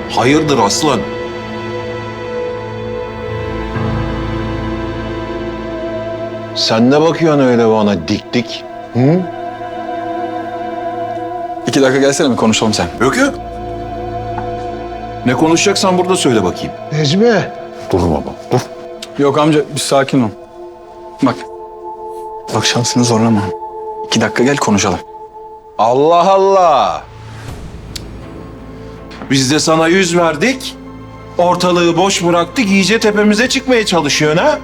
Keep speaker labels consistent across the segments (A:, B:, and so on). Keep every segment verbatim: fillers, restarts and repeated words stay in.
A: Hayırdır aslan? Sen ne bakıyorsun öyle bana dik dik? Hı?
B: İki dakika gelsene mi konuşalım sen?
A: Yok yok. Ne konuşacaksan burada söyle bakayım.
C: Necmi.
A: Dur baba, dur.
B: Yok amca bir sakin ol. Bak. Bak şansını zorlama. İki dakika gel konuşalım.
A: Allah Allah. Biz de sana yüz verdik. Ortalığı boş bıraktık. İyice tepemize çıkmaya çalışıyorsun ha?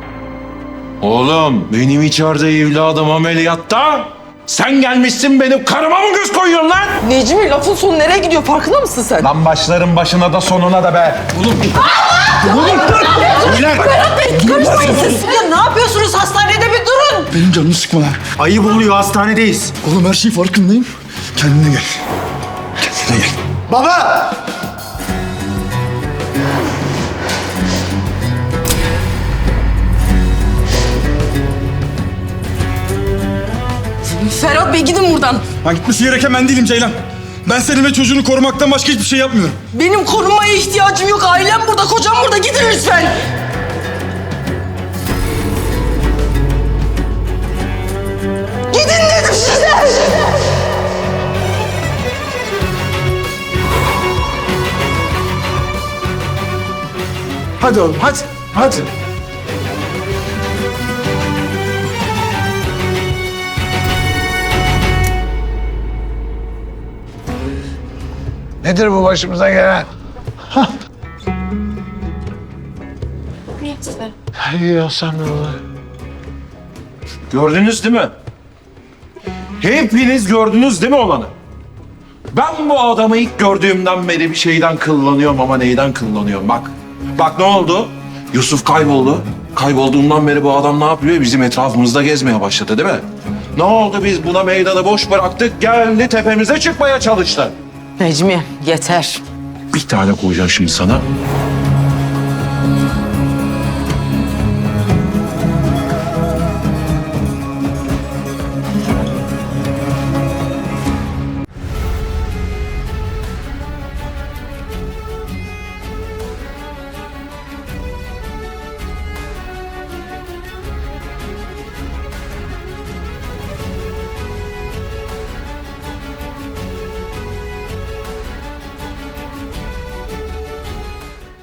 A: Oğlum benim içeride evladım ameliyatta. Sen gelmişsin benim karıma mı göz koyuyorsun lan?
D: Necmi lafın sonu nereye gidiyor farkında mısın sen?
A: Lan başların başına da sonuna da be. Oğlum.
D: Berat Bey karışmayın siz. Ya ne yapıyorsunuz hastanede bir durun.
B: Benim canımı sıkma lan.
C: Ayıp oluyor, hastanedeyiz.
B: Oğlum her şeyin farkındayım. Kendine gel. Kendine gel.
C: Baba!
D: Ferhat Bey gidin buradan.
B: Ben gitmesi gereken ben değilim Ceylan. Ben senin ve çocuğunu korumaktan başka hiçbir şey yapmıyorum.
D: Benim korunmaya ihtiyacım yok. Ailem burada, kocam burada. Gidin lütfen. Gidin dedim size.
C: Hadi oğlum, hadi. Hadi. Nedir bu başımıza gelen? Ya sen ne olur?
A: Gördünüz değil mi? Hepiniz gördünüz değil mi olanı? Ben bu adamı ilk gördüğümden beri bir şeyden kıllanıyorum ama neyden kıllanıyorum bak. Bak ne oldu? Yusuf kayboldu. Kaybolduğundan beri bu adam ne yapıyor? Bizim etrafımızda gezmeye başladı değil mi? Ne oldu biz buna meydanı boş bıraktık geldi tepemize çıkmaya çalıştı.
D: Necmi yeter.
A: Bir tane koyacağım şimdi sana.